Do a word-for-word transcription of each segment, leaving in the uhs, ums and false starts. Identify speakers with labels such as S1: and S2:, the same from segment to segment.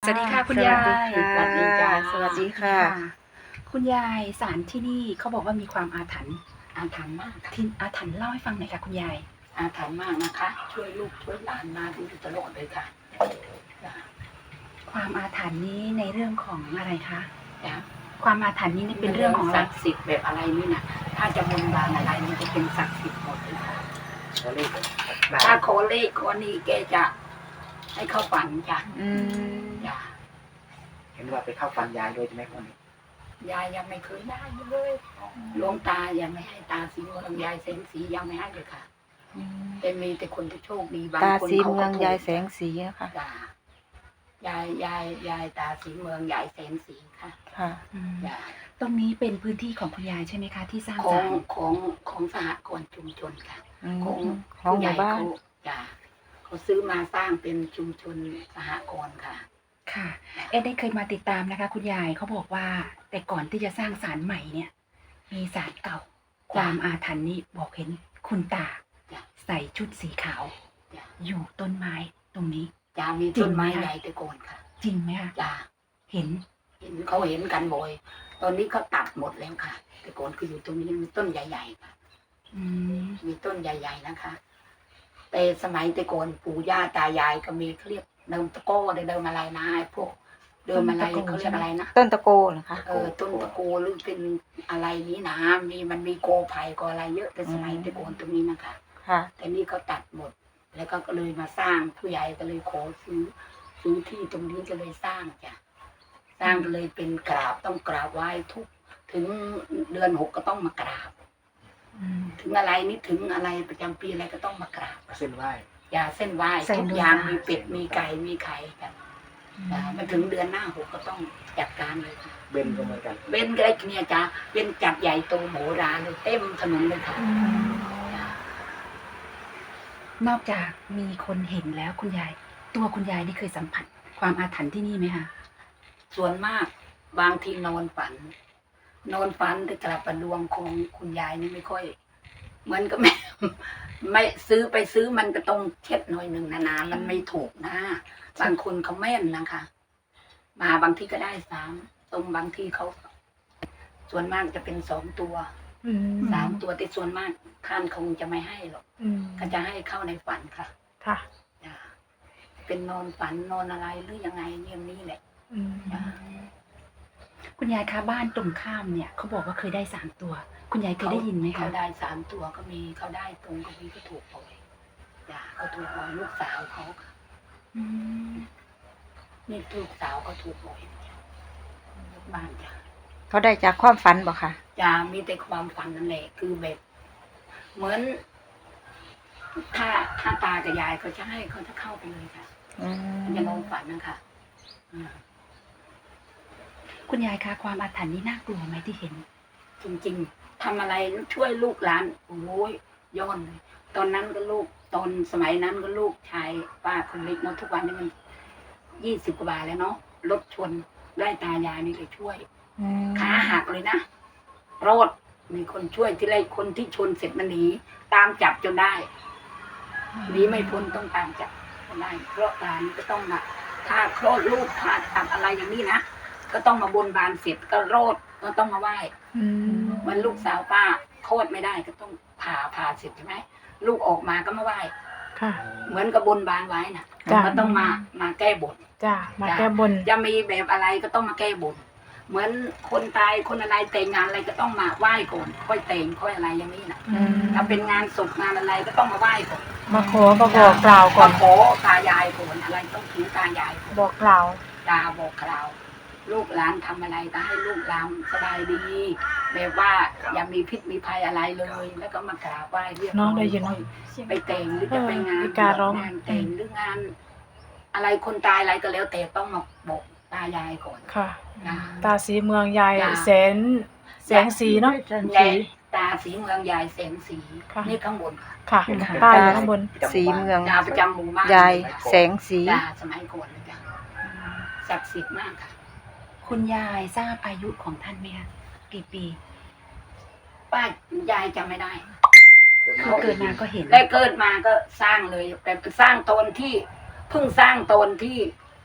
S1: สวัสดีค่ะคุณยาย
S2: สวัสดีค่ะสวัสดีค่ะ
S1: คุณยายศาลที่นี่เขาบอกว่ามีความอาถรรพ์
S3: อาถรรพ์มากค่ะ
S1: ที่อาถรรพ์เล่าให้ฟังหน่อยค่ะคุณยาย
S3: อาถรรพ์มากนะคะ ช่วยลูกช่วยหลานมาดูตลอดเลยค่ะจ้ะ
S1: ความอาถรรพ์นี้ในเรื่องของอะไรคะ
S3: จ้ะ
S1: ความอาถรรพ์นี้เป็นเรื่องของอะไร
S3: ศักดิ์สิทธิ์แบบอะไรนี่นะถ้าจะบนบานอะไรมันจะเป็นศักดิ์สิทธิ์หมดเลยค่ะ
S2: ขอเลข
S3: ถ้าขอเลขขอนี้แกจะให้เข้าฝันจ้ะ
S2: อืม
S3: จ้ะ
S2: เห็นว่าไปเข้าฟันยายด้วยใช่ไหมคนนี้
S3: ยายยังไม่เคยได้เลยหลวงตายังไม่ให้ตาสีเมืองยายแสงสียังไม่ให้เลยค่ะแต่มีแต่คนที่โชคดีบาง
S4: ตา
S3: คน
S4: สี
S3: เขา
S4: เมื
S3: ก็
S4: อง
S3: ถูก
S4: ยายแสงสีนะคะ
S3: จ้ะยายยายยายตาสีเมืองยายแสงสีค่ะ
S4: ค่ะ
S1: อืม
S3: จ้ะ
S1: ตรงนี้เป็นพื้นที่ของคุณยายใช่ไหมคะ ที่สร้าง
S3: ขอ
S1: ศาง ล
S3: ของของสหกรณ์ชุมชนค่ะ
S4: อืม
S3: ของ
S4: ของหมู่บ้าน
S3: ผู้ใญ่เขจ้ะเขาซื้อมาสร้างเป็นชุมชนสหกรณ์ค่ะ
S1: ค่ะ เอ็ดได้เคยมาติดตามนะคะ คุณยายเขาบอกว่า แต่ก่อนที่จะสร้างศาลใหม่เนี่ย มีศาลเก่า ความอาถรรพ์นี้บอกเห็นคุณตา
S3: จ้ะ
S1: ใส่ชุดสีขาว
S3: จ้ะ
S1: อยู่ต้นไม้ตรงนี้
S3: จะมีต้นไม้ใหญ่แต่ก่อนค่ะ
S1: จริงไหมคะ
S3: จ้ะ
S1: เห็น
S3: เห็นเขาเห็นกันบ่อยตอนนี้เขาตัดหมดแล้วค่ะ แต่ก่อนคืออยู่ตรงนี้มีต้นใหญ่ๆค่ะ
S1: อืม
S3: มีต้นใหญ่ ๆนะคะ แต่สมัยแต่ก่อนปู่ย่าตายายก็มีเขาเรียกเดิมตะโก้เดิมอะไรนะไอ้พวกเดิมอะไรเขาเรียกอะไรนะ
S4: ต้นตะโกเหรอคะ
S3: เออต้นตะโกหรือเป็นอะไรนี้นะมีมันมีโกไผ่ก็อะไรเยอะแต่สมัยแต่ก่อนตรงนี้นะคะ
S4: ค่ะ
S3: แต่นี่เขาตัดหมด แล้วก็เลยมาสร้างผู้ใหญ่ก็เลยขอซื้อซื้อที่ตรงนี้ก็เลยสร้างจ้ะสร้างก็เลยเป็นกราบต้องกราบไหว้ทุกถึงเดือนหกก็ต้องมากราบ
S1: อืม
S3: ถึงอะไรนี่ถึงอะไรประจำปีอะไรก็ต้องมากราบ
S2: เส้นไหว้
S3: ยาเส้นไหว้
S1: ใส่
S3: ทุก
S1: นวด
S3: อย่าง
S1: ตามี
S3: มีเป็ดมีไก่มีไข่กันอ่ามาถึงเดือนหน้าหกก็ต้องจัดการเลยค่ะ
S2: เบนก็เหมือนกัน
S3: เบนก็ได้เนี่ยจ้ะเป็นจัดใหญ่โตโหฬารเลยเต็มถนนเลยค่ะจ้ะ
S1: นอกจากมีคนเห็นแล้วคุณยาย ตัวคุณยายนี่เคยสัมผัส ความอาถรรพ์ที่นี่ไหมคะ
S3: ส่วนมากบางทีนอนฝัน นอนฝันแต่กลับประดวงของคุณยายนี่ไม่ค่อยเหมือนก็ไม่ ไม่ซื้อไปซื้อมันก็ต้องเช็ดหน่อยหนึ่งนะนะมันไม่ถูกนะบางคนเขาแม่นนะคะ มาบางทีก็ได้สามตรงบางทีเขา ส่วนมากจะเป็นสองตัว
S4: อืม
S3: สามตัวแต่ส่วนมากท่านคงจะไม่ให้หรอก
S4: อืม
S3: ก็จะให้เข้าในฝันค่ะ
S4: ค่ะ
S3: จ้ะเป็นนอนฝันนอนอะไรหรือยังไงเนี่ยนี้แหละ
S4: อืม
S3: จ้ะ
S1: คุณยายคะบ้านตรงข้ามเนี่ยเขาบอกว่าเคยได้สามตัว คุณยายเคยได้ยินไหมคะ
S3: เขาได้สามตัวก็มีเขาได้ตรงก็มีก็ถูกบ่อยจ้ะเขาถูกบ่อยลูกสาวเขาค่ะ
S1: อืม
S3: นี่ลูกสาวเขาถูกบ่อยบ้านจ้ะ
S4: เขาได้จากความฝันบ่ค่ะ
S3: จะมีแต่ความฝันนั่นแหละคือแบบ เหมือน ถ้าถ้าตากับยายเขาจะให้เขาจะเข้าไปเลยค่ะ
S4: อืม
S3: มันจะนอนฝันนะคะอืม
S1: คุณยายคะความอาถรรพ์นี้น่ากลัวไหมที่เห็น
S3: จริงๆทำอะไรช่วยลูกหลานโอ้ยย้อนเลยตอนนั้นก็ลูกตอนสมัยนั้นก็ลูกชายป้าคนเล็กเนาะทุกวันนี้มันยี่สิบกว่าบาทแล้วเนาะรถชนได้ตายายนี่เลยช่วย
S4: อืม
S3: ขาหักเลยนะรอดมีคนช่วยที่ไรคนที่ชนเสร็จมันหนีตามจับจนได้หนีไม่พ้นต้องตามจับจนได้เพราะการก็ต้องมาถ้าคลอดลูกผ่าตัดอะไรอย่างนี้นะก็ต้องมาบนบานเสร็จก็โรดก็ต้องมาไหว้
S4: อืม
S3: เหมันลูกสาวป้าคลอดไม่ได้ก็ต้องผ่าผ่าเสร็จใช่ไหมลูกออกมาก็มาไหว้
S4: ค่ะ
S3: เหมือนกับบนบานไว้น่ะ
S4: จ้ะ
S3: ก็ต้องมามาแก้บน
S4: จ้า มาแก้บน
S3: จะมีแบบอะไรก็ต้องมาแก้บน เหมือนคนตายคนอะไรแต่งงานอะไรก็ต้องมาไหว้ก่อนค่อยแต่งค่อยอะไรอย่างนี้นะ
S4: อืม
S3: ถ้าเป็นงานศพงานอะไรก็ต้องมาไหว้ก่อน
S4: มาขอมาบอกกล่าวก่อน
S3: มาขอตายายก่อนอะไรต้องถือตายายก่อน
S4: บอกกล่าว
S3: ตาบอกกล่าวลูกหลานทำอะไรก็ให้ลูกหลานสบายดีแบบว่าอย่ามีพิษมีภัยอะไรเลย แล้วก็มากราบไหว้เรียก
S4: น้องได้ยินไหม
S3: ไปแต่งหรือจะไปงาน
S4: เออมีการร้อง
S3: งานแต่งหรืองาน อะไรคนตายอะไรก็แล้วแต่ต้องมาบอกตายายก่อน
S5: ค่ะ
S3: นะ
S5: ตาสีเมืองยาย
S3: จ้ะ
S5: แสนแสงสีเนาะ
S3: ยายตาสีเมืองยายแสงสี
S5: ค่ะ
S3: นี่ข้างบนค่ะ
S5: ค่ะ
S1: ค่ะ
S5: ป้ายอยู่ข้างบน
S4: สีเมือง
S3: ยาประจำหมู่บ้าน
S4: ยายแสงสี
S3: ยาสมัยก่อนเลยจ้ะศักดิ์สิทธิ์มากค่ะ
S1: คุณยายทราบอายุของท่านไหมคะกี่ปี
S3: ป้ายายจำไม่ได้
S1: คือเกิดมาก็เห็น
S3: และเกิดมาก็สร้างเลย แต่สร้างตอนที่เพิ่งสร้างตอนที่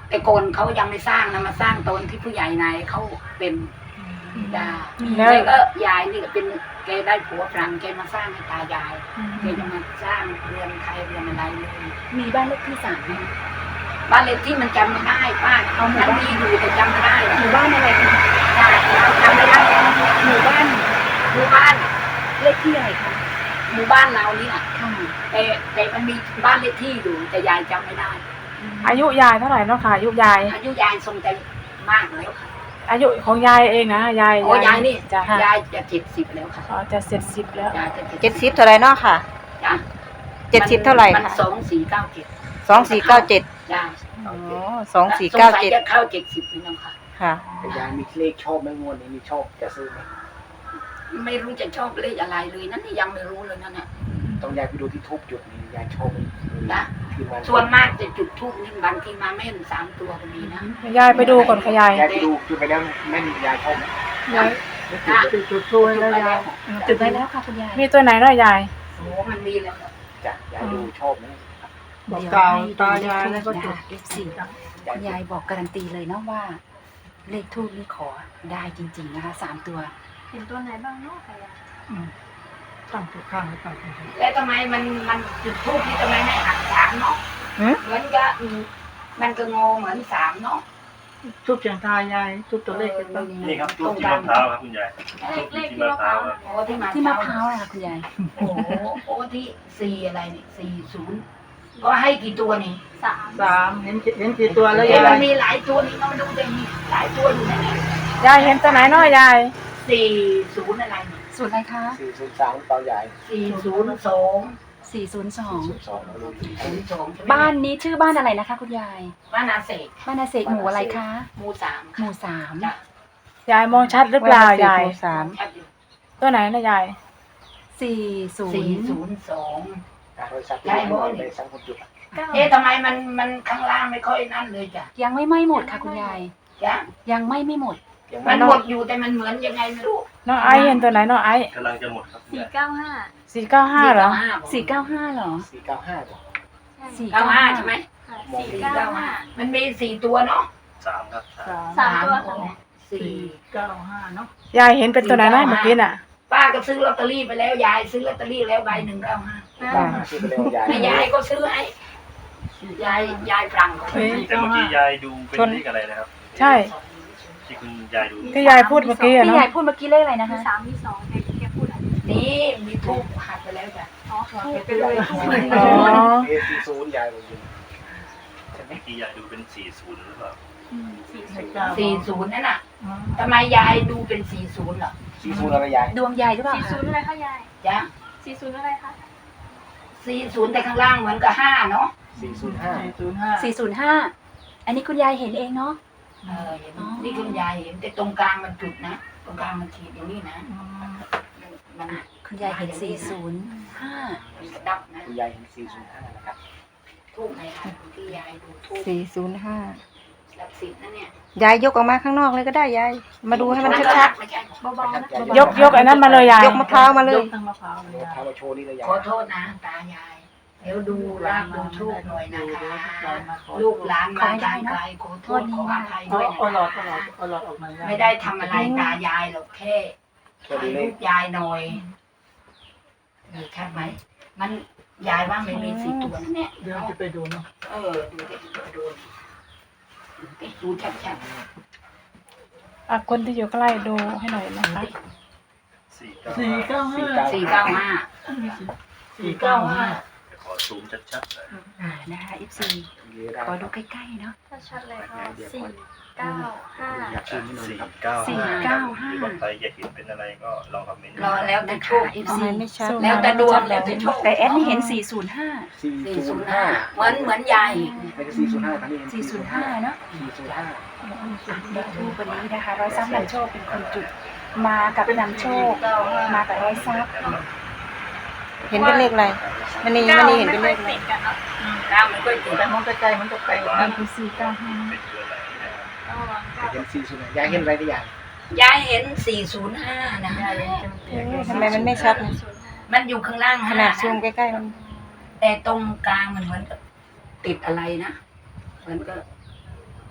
S3: แต่ก่อนเขายังไม่สร้างนะมาสร้างตอนที่ผู้ใหญ่นายเขาเป็นดา
S5: แล้ว
S3: แล้วก็ยายนี่ก็เป็นแกได้ผัวฝรั่งแกมาสร้างให้ตายายแกจะมาสร้างเรือนไทยเรือนอะไรเลย
S1: มีบ้านเลขที่สามไหมคะ
S3: บ้านเลขที่มันจำไม่ได้ป้า
S1: เอาหมู่
S3: ทั้ง
S1: บ้าน
S3: มีอยู่แต่จำไม่ได้
S1: หมู่บ้านอะไรคะ
S3: จำไม่ได้
S1: หมู่บ้าน
S3: หมู่บ้าน
S1: เลขที่อะไรคะ
S3: หมู่บ้านเรานี่แหละ
S1: ค่ะ
S3: แต่แต่มันมีบ้านเลขที่อยู่แต่ยายจำไม่ได้
S5: อายุยายเท่าไหร่เนาะค่ะอายุยาย
S3: อายุยายทรงใจมากแล้วค่ะ
S5: อายุของยายเองนะยาย
S3: โอ้ยายนี่
S5: จ้ะ
S3: ยายจะเจ็ดสิบแล้วค่ะ
S5: อ๋อจะเสร็จสิบแล้ว
S3: ยายจะ
S4: เจ็ดสิบเท่าไหร่เนาะค่ะ
S3: จ้ะ
S4: เจ็ดสิบเท่าไหร่
S3: มัน
S4: คะ
S3: สองสี่เก้าเจ็ด
S4: สองสี่เก้าเจ็ด
S3: จ้ะ
S4: อ๋อสองสี่เก้าเจ็ด
S3: สงสัยจะเข้าเจ็ดสิบนี่น้องค่ะ
S4: ค่ะ
S2: แต่ยายมีเลขชอบไหมงวดนี้มีชอบจะซื้อไหม
S3: ไม่รู้จะชอบเลขอะไรเลยนั่นนี่ยังไม่รู้เลยนั่นเนี่ย
S2: ต้องยายไปดูที่ทูบจุดนี้ยายชอบไหม
S3: นะ
S2: ที่มัน
S3: ส่วนมากจะจุดทูบนี่บางทีมาแม่นสามตัวก็มีนะ
S5: ยายไปดูก่อนค่ะยาย
S2: ยายไปดูจุดไปแล้วแม่นยายชอบไหม
S5: ยาย
S3: นะจุดจุดทูบแล้วยาย
S1: จุดไว้แล้วค่ะคุณยาย
S5: มีตัวไหนเนาะยาย
S3: โอ้มันมีแล้ว
S2: จ้ะยายดูชอบไหม
S1: บอกกล่าวตายายแล้วก็จุด เอฟ ซี คุณยายบอกการันตีเลยเนาะว่า เลขทูบนี่ขอได้จริง ๆ นะคะสามตัว
S6: เห็นตัวไหนบ้างเนาะค่ะยาย
S5: ตั้งตัวข้างไว้ก่อน
S3: แล้วทำไมมันมันจุดทูบนี่ทำไมไม่หักสามเนาะ
S4: หืม
S3: เหมือนกับอืมมันก็งอเหมือนสามเนาะ
S5: ทุบเสียงทายยายทุบตัวเลขกันบ้าง
S7: นี่ครับทูบที่มะพร้าวครับคุณยาย
S6: เลขเลข
S7: ที่
S6: ที่
S7: มะ
S6: มะ
S7: พ
S6: พ
S7: ร้า
S6: ร้าว ว
S7: ครับ
S3: โอ้ที่มา
S1: ที่มะพร้าวนะคะคุณยาย
S3: โอ้โหโอ้ที่สี่อะไรนี่สี่ศูนย์ก็ให้กี่ตัวนี่
S6: สาม
S5: สามเห็นเห็นกี่ตัวแล้ว
S3: เอ๊ะ
S5: ยา
S3: มั
S5: ย
S3: นมีหลายตัวนี่เราดูแต่มีหลายตัวอยู่นะเนี่ย
S5: ยายเห็นตัวไหนเนาะยาย
S3: สี่ศูนย์อะไรนี่
S1: ศูนย์อะไรคะ
S2: สี่ศูนย์สามเปล่ายาย
S3: สี่ศูนย์สอง
S1: สี่ศูนย์สอง
S2: ศูนย์สองเราดูที่
S3: ศูนย์สอง
S1: บ้านนี้ชื่อบ้านอะไรนะคะ คุณยาย
S3: บ้านอาเสก
S1: บ้านอาเสกหมู่อะไรคะ
S3: หมู่สาม
S1: หมู่สาม
S3: จ้ะ
S5: ยายมองชัดหรือเปล่ายาย
S4: สาม
S3: ชัดอยู่
S5: ตัวไหนนะยาย
S1: สี่ศู
S3: สี่
S1: นย์
S3: ศูนย์สอง
S2: บริษัท
S3: ใช่บ่
S2: ในสังคมจุด
S6: เก้า
S3: เอ๊ะทำไมมันมันข้างล่างไม่ค่อยนั่นเลยจ้ะ
S1: ยังไม่ไหม้หมดค่ะคุณยาย
S3: จ้ะ
S1: ยังไหม้ไม่หมด
S2: อย่าง
S3: มั
S2: นั้น น
S3: หมดอยู่แต่มันเหมือนยังไงไม่รู้
S5: น้องไอซ์เห็นตัวไหนน้องไอซ์
S7: กำลังจะหมดครับคุณ
S6: สี่
S7: ยาย
S6: เก้าห้า
S5: สี่เก้าห้าเหรอ
S1: สี่เก้าห้าเหรอ
S2: สี่เก้าห้าจ้ะ
S1: สี่
S3: เก้าห้าใช่ไหม
S6: ค่ะ
S2: มอง
S6: สี่
S3: สี่
S6: เก้า
S3: เก้า
S6: ห้า
S3: ห้ามันมีสี่ตัวเนาะ
S7: สามครับสาม
S6: สามตัว
S3: โอ้
S6: ค่ะ
S3: สี่
S5: เก้าห้าเนาะยายเห็นเป็นตัวไหนนะเมื่อกี้น่ะ
S3: ป้าก็ซื้อลอตเตอรี่ไปแล้วยายซื้อลอตเตอรี่แล้วใบหนึ่งเก้าห้า
S2: เก้าห้าซื้อไปแล้วยาย
S3: แม่ยายก็ซื้อให้ยายยายฝรั่งก็ซื้อให้
S7: แต่เมื่อกี้ยายดูเป็นเลขอะไรนะครับ
S5: ใช่
S7: ที่คุณยายดู
S5: ที่ยายพูดเมื่อกี้อะ
S1: พี่
S5: เนาะ
S1: ยายพูดเมื่อกี้เลขอะไรนะ
S6: มี
S1: คะ
S6: สามมีสองแกแกพูดอะไร
S3: นี่มีทูบหักไปแล้วจ้ะ
S6: อ๋อ
S3: ทูบไปเลย
S5: อ๋อ
S2: เอสี่ศูนย์ยายลงอยู่ใช่ไหม
S7: เมื่อกี้ยายดูเป็นสี่ศูนย์หรือเปล่า
S6: สี่สิบ
S3: สี่ศูนย์นั่นน่ะทำไมยายดูเป็นสี่ศูนย์เหรอ
S2: สี่ศูนย์อะไรยาย
S1: ดวงยายหรือเปล่า
S6: สี่
S1: คะ
S6: ศูนย์อะไรคะยาย
S3: จ้ะ
S6: สี่ศูนย์อะไรคะ
S3: สี่ศูนย์แต่ข้างล่างเหมือนกับห้าเนาะ
S2: สี่ศูนย์ห้า
S1: สี่ศูนย์ห้าอันนี้คุณยายเห็นเองเนาะ
S3: เออเห็นนี่คุณยายเห็นแต่ตรงกลางมันจุดนะตรงกลางมันขีดอย่างนี้นะมัน
S1: คุณยายเห็นสี่ศูนย์ห้า
S3: มันกระดับนะ
S2: คุณยายเห็นสี่ศูนย์ห้านะครับ
S3: ทูบไหนคะที่ยายดูทูบ
S4: สี่ศูนย์ห้า
S3: ศักดิ์สิทธิ์นะเนี่ย
S4: ยายยกออกมาข้างนอกเลยก็ได้ยาย มาดูให้มันชัด
S3: ไม่ใช่
S6: เบาๆนะ
S5: ยกยกไอ้นั้นมาเลยยาย
S4: ๆ ยกมะพร้าวมาเลย
S2: เดี๋ยวพามาโชว์นี่เลยยาย
S3: ขอโทษนะตายาย เดี๋ยวดูรากดูทูบหน่อยนะคะลูกหลานมาทางไกลขอโทษขออภัยด้วยนะคะไม่ได้ทำอะไรตายายหรอกแค่
S2: แค่
S3: ถ่าย
S2: ดูเล
S3: รู
S2: ข
S3: ปยายหน่อยมีชัดไหมมันยายว่าไม่มีสี่ตัวนะเนี่ย
S5: เดี๋ยวจะไปดูเนาะ
S3: เออดูดิดูดิดูชัดชัด
S5: อ่ะคนที่อยู่ใกล้ดูให้หน่อยนะคะ
S7: สี่เก้า
S5: สี่
S7: ห้า
S5: เก้าห้า
S3: ๆสี่เก้าห้า
S5: สี่เก้าห้า
S7: เดี๋ยวขอซูมชัดๆหน่อย
S1: อ่านะคะ เอฟ ซี ขอดูใกล้ๆเนาะ
S6: ถ้าชัดเลยค่ะสี่เก้าห้า
S2: อยากชิมนิดนึง
S7: สี่
S2: ครับ
S7: เก้า
S1: สี่
S7: ห้า
S1: เก้าห้า
S7: หรือว่าใครอยากเห็นเป็นอะไรก็ลองคอมเมนต์
S3: รอแล้วแต่
S1: นะ
S3: โช
S1: คะ
S3: ค
S1: เอฟ
S4: ทำ
S1: ซี
S4: ไมไม่ชัด
S3: แล้วแต่ดวงแล้วแต่โชค
S1: แต่แอดนี่เห็นสี่ศูนย์ห้า
S2: สี่
S3: สี่
S2: ศู
S3: ศู
S2: น
S3: น
S2: ย์
S3: ย์
S2: ห้า
S3: ห้าเหมือนเหมือนยาย
S2: ไม่ใช่สี่ศูนย์ห้าครับนี่
S1: สี่ศูนย์ห้าเนาะ
S2: สี่ศูนย์ห้า
S1: เลขทูปวันนี้นะคะ ร้อยทรัพย์นำโชคเป็นคนจุด มากับนำโชค มากับร้อยทรัพย์
S4: เห็นเป็นเลขอะไรมันนี่มันนี่เห็นเป็นเลขอะไร
S6: ติดกันเนาะ
S3: ก้าวมันก็ติด
S5: แต่มองไกลๆมันจะไปนั่นคือสี่เก้าห้า
S7: เป็นตัวไหนนะครับ
S6: ระวัง
S2: เห็นสี่ศูนย์ห้ายายเห็นอะไรได้ยาย
S3: ยายเห็นสี่ศูนย์ห้านะ
S4: ทำไมมันไม่ชัด
S3: มันอยู่ข้างล่าง
S4: ข
S3: ห้า
S4: นาดซูมใกล้ๆมัน
S3: แต่ตรงกลางมันเหมือนกับติดอะไรนะเหมือนกับ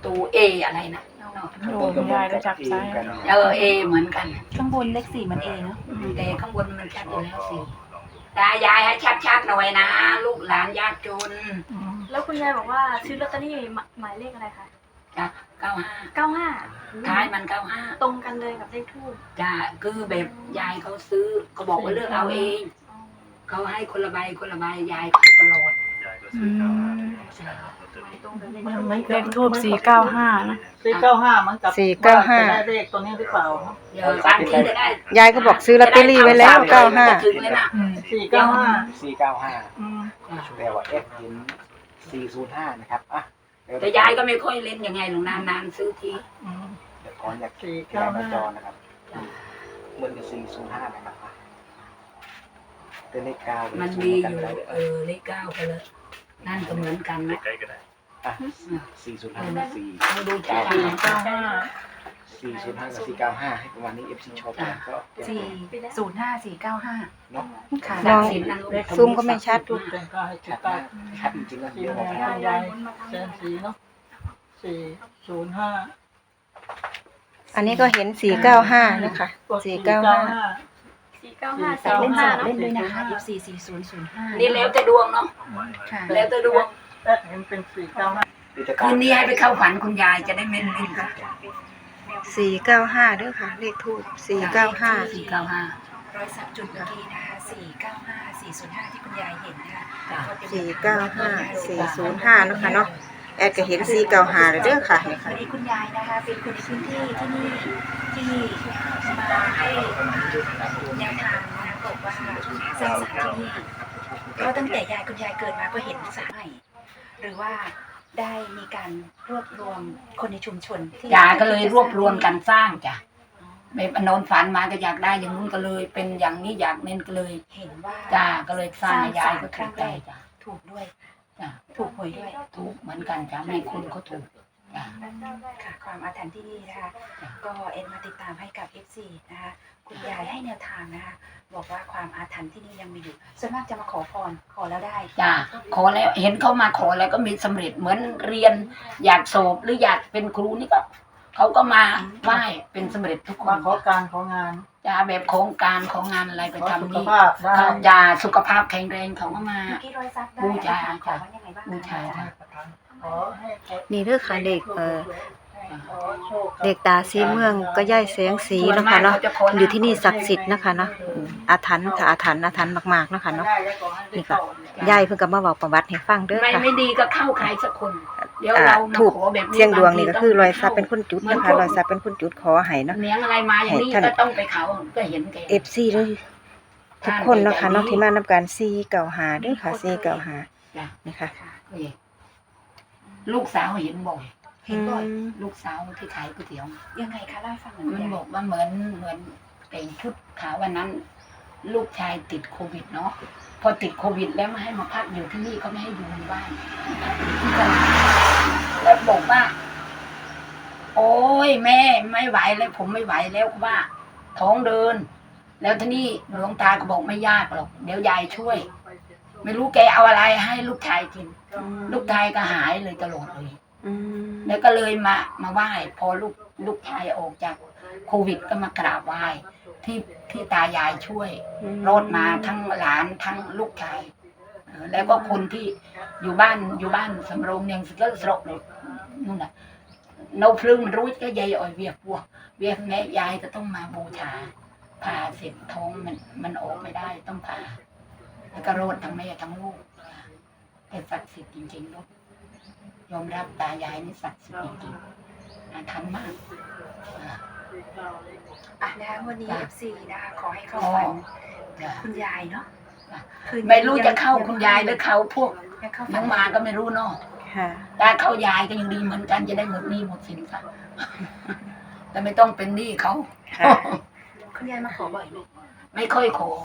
S3: ตูเออะไรนะ
S5: โอ้คุณยายรู้จักซ้าย
S3: เออเอเหมือนกัน
S1: ข้างบนเลขสี่มันเอเนาะ
S3: อืมแต่ข้างบนมันชัดอยู่แล้วสิตายายให้ชัดๆหน่อยนะลูกหลานยากจน
S5: อืม
S6: แล้วคุณยายบอกว่าซื้อลอตเตอรี่หมหมายเลขอะไรคะ
S3: จ้ะเก้าห้า
S6: เก้าห้า
S3: ท้ายมันเก้าห้า
S6: ตรงกันเลยกับเลขทูบ
S3: จ้ะคือแบบยายเขาซื้อเขาบอกว่าเลือกเอาเองเขาให้คนละใบคนละใบยายเขาให้ตลอด
S7: ยายก็ซื้อเก้าห้าลอตเตอรี่
S6: ตรงกับเลข
S8: มัน
S6: ทูบ
S8: มัน
S5: เลขทูบสี่เก้าห้านะ
S8: สี่เก้าห้ามันกับ
S4: สี่เก้าห้า
S8: จะได้เลขตัวนี้หรือเปล่า
S3: เดี๋ยวบางทีจะได้
S4: ยายก็บอกซื้อลอตเตอรี่ไว้แล้วเก้าห้า
S3: จะถึงเลยนะ
S5: อืม
S8: สี่เก้าห้า
S2: สี่เก้าห้า
S8: อืม
S2: แต่ว่าเอฟเห็นสี่ศูนย์ห้านะครับอ่ะเดี๋ว
S3: แต่ยายก็ไม่ค่อยเล่นยังไงหรอกนานๆซื้อที
S8: อืม
S2: เดี๋ยวก่อนอยาก
S8: สี่
S2: ยา
S8: เก้าย
S2: มา
S8: ห้า
S2: จอนะครับเหมือนกับสี่ศูนย์ห้านะครับอ่ะเป็นเลขเก้าเลข
S3: มัน
S2: ศู
S3: มี
S2: ย์
S3: อ
S2: กัน
S3: ยู่
S2: เลย
S3: เออเลขเก้าไปเลยนั่นก็เหมือนกันนะ
S7: ใกล้ๆก็ได้
S2: อ่ะสี่ศูนย์ห้าสี่
S3: เราดูชัด
S8: สี่
S3: ๆ
S8: เก้าห้า
S2: สี่ศูนย์ห้ากับสี่เก้าห้าให้ประมาณนี้เอฟซีชอบกันก็เตรียม
S1: สี่ศูนย์ห้าสี่เก้าห้า
S2: เนาะ
S1: ค่ะ
S4: มอง
S3: สินนะลูก
S4: ซูมก็ไม่ชัด
S8: จุดแต่ก็ให้จุ
S2: ชั
S8: ด
S2: ด
S8: ใต้
S2: มากชัดจริงๆแล้ว
S8: สี่
S2: เดี๋ยว
S8: ห
S2: บอก
S8: นึ่ง
S2: ให้
S8: ห้ายายแสนสีเนาะสี่ศูนย์ห้า
S4: อันนี้ก็เห็นสี่เก้าห้านะคะสี่เก้าห้า
S6: สี่เก้าห้า
S1: แต่
S6: สี่
S1: เล่นส
S6: ห้า
S1: ลับ
S6: เนาะ
S1: เล่นด้วยนะคะยี่สี่สี่ศูนย์ศูนย์ห้า
S3: นี่แล้วแต่ดวงเนาะ
S1: ค่ะ
S3: แล้วแต่ดวง
S8: แอดเห็นเป็นสี่เก้าห้า
S3: คืนนี้ให้ไปเข้าฝันคุณยายจะได้เม่นๆค่ะ
S4: สี่เก้าห้าเด้อค่ะ เลขทูบสี่เก้าห้า
S3: สี่เก้าห้าร
S1: อยสักจุดเมื่อกี้นะคะสี่เก้าห้าสี่ศูนย์ห้าที่คุณยายเห็นนะคะ
S4: สี่เก้าห้าสี่ศูนย์ห้านะคะเนาะแอดก็เห็นสี่เก้าห้าเลยเด้อค่ะนี่
S1: วั
S4: ค่ะ
S1: นนี้คุณยายนะคะเป็นคนในพื้นที่ที่นี่ที่มาให้แนวทางนะคะบอกว่าสร้างสารที่นี่เพราะตั้งแต่ยายคุณยายเกิดมาก็เห็นสารใหม่หรือว่าได้มีการรวบรวมคนในชุมชนที่
S3: ยายก็เลยรวบรวมกันสร้างจ้ะแบบนอนฝันมาก็อยากได้อย่างนู้นก็เลย เป็นอย่างนี้อยากเน้นก็เลย
S1: เห็นว่า
S3: จ้าก็เลยสร้างให้ยายก็ถูกใจจ้ะ
S1: ถูกด้วย
S3: จ้ะ
S1: ถูกหวยด้วย
S3: ถูกเหมือนกันจ้ะมีคนเขาถูกจ้ะ
S1: ค่ะความอาถรรพ์ที่นี่นะคะก็เอ็นมาติดตามให้กับ เอฟ ซี นะคะคุณยายให้แนวทางนะคะบอกว่าความอาถรรพ์ที่นี่ยังมีอยู่ส่วนมากจะมาขอพรขอแล้วได้
S3: จ้ะขอแล้วเห็นเขามาขอแล้วก็มีสำเร็จเหมือนเรียนอยากสอบหรืออยากเป็นครูนี่ก็เขาก็มาไหว้เป็นสำเร็จทุกค
S8: มาน ขอการของาน
S3: จ้ะแบบโครงการของงานอะไรไป
S8: ขอสุ
S3: ทำ
S8: ข
S3: นี่
S8: ภาพได้
S3: เขายาสุขภาพแข็งแรงเขาก็มา
S1: เมื่อกี้รอยซักได้
S3: บูชา
S1: ขอว่ายังไงบ้าง
S3: บูชา
S1: คะ
S8: ขอให้ขอ
S4: นี่เด้อค่ะเด็กเออ
S8: ขอโชคกับ
S4: เด็กตาสีเมืองก็ย่ายแสงสีเนาะคะเนาะอยู่ที่นี่ศักดิ์สิทธิ์นะคะเนาะอืมอาถรรพ์ค่ะอาถรรพ์อาถรรพ์มากๆเนาะคะเนาะ
S8: ได้แล้วขอให้ได้
S4: นี่ค่ะ
S8: ต่อ
S4: ยายเพิ่งก็มาบอกประวัติให้ฟังเด้อ
S3: ไม่
S4: ค่ะ
S3: ไม่ดีก็เข้าใครสักคน เดี๋ยว
S4: อ่า
S3: เรามา
S4: ถูก
S3: ขอแบบนี้
S4: เสียงดวงนี่ก็คือรอย
S3: บางที
S4: ซับเป็นคนจุดนะคะรอยซับเป็นคนจุดขอให้เนาะ
S3: เลี้ยงอะไรมาอย่างนี้
S4: ให้ท่าน
S3: ก็ต้องไปเขาก็เห็นแก
S4: เอฟซีเลยทุกคนเนาะค่ะเนาะที่มานำการซีเก่าหาเด้อค่ะซีเก่าหา
S3: จ้ะ
S4: นี่ค่ะ
S3: นี่ลูกสาวเห็นบ่อย
S1: เห็นบ่อย
S4: อืม
S3: ลูกสาวที่ขายก๋วยเตี๋ยว
S1: ยังไงคะเล่าให้ฟังหน่อย
S3: มัน
S1: ยาย
S3: บอกว่าเหมือนเหมือนแต่งชุดขาววันนั้น ลูกชายติดโควิดเนาะพอติดโควิดแล้วมาให้มาพักอยู่ที่นี่เขาไม่ให้อยู่ในบ้านที่ตลาดแล้วบอกว่า โอ้ยแม่ไม่ไหวแล้วผมไม่ไหวแล้วว่า ท้องเดิน แล้วทีนี้หลวงตาก็บอกไม่ยากหรอกเดี๋ยวยายช่วย ไม่รู้แกเอาอะไรให้ลูกชายกิน ลูกชายก็หายเลยตลอดเลย
S4: อืม
S3: แล้วก็เลยมามาไหว้พอลูกลูกชายออกจากโควิดก็มากราบไหว้ที่ที่ตายายช่วยรอดมาทั้งหลานทั้งลูกชายเออแล้วก็คนที่อยู่บ้านอยู่บ้านสำโรงเนียงสิก็สระเลยนู่นน่ะโนพลึงมันรู้ก็ยายอ่อยเวียบวัวเวียบแม่ยายก็ต้องมาบูชาผ่าเสร็จท้องมันมันออกไม่ได้ต้องผ่าแล้วก็รอดทั้งแม่ทั้งลูกแต่ศักดิ์สิทธิ์จริงๆลูกยอมรับตายายนี่ศักดิ์สิทธิ์จริงๆอาถรรพ์มากอ่า
S1: อ่ะนะคะวันนี้
S3: จ้ะ
S1: เอฟซีนะคะขอให้เข้าฝัน
S3: จ้ะ
S1: คุณยายเนาะ
S3: จ้ะ
S1: คืนนี้
S3: ไม่รู้จะเข้าคุณยายหรือเขาพวก
S1: ยังเข้าฝั
S3: น้
S1: น
S3: องมาก็ไม่รู้เนาะ
S4: ค่ะ
S3: ถ้าเข้ายายก็ยังดีเหมือนกันจะได้หมดหนี้หมดสินซะ แต่ไม่ต้องเป็นหนี้เขา
S4: ค่ะ
S1: คุณยายมาขอบ่อยไหม
S3: ไม่ค่อยขอ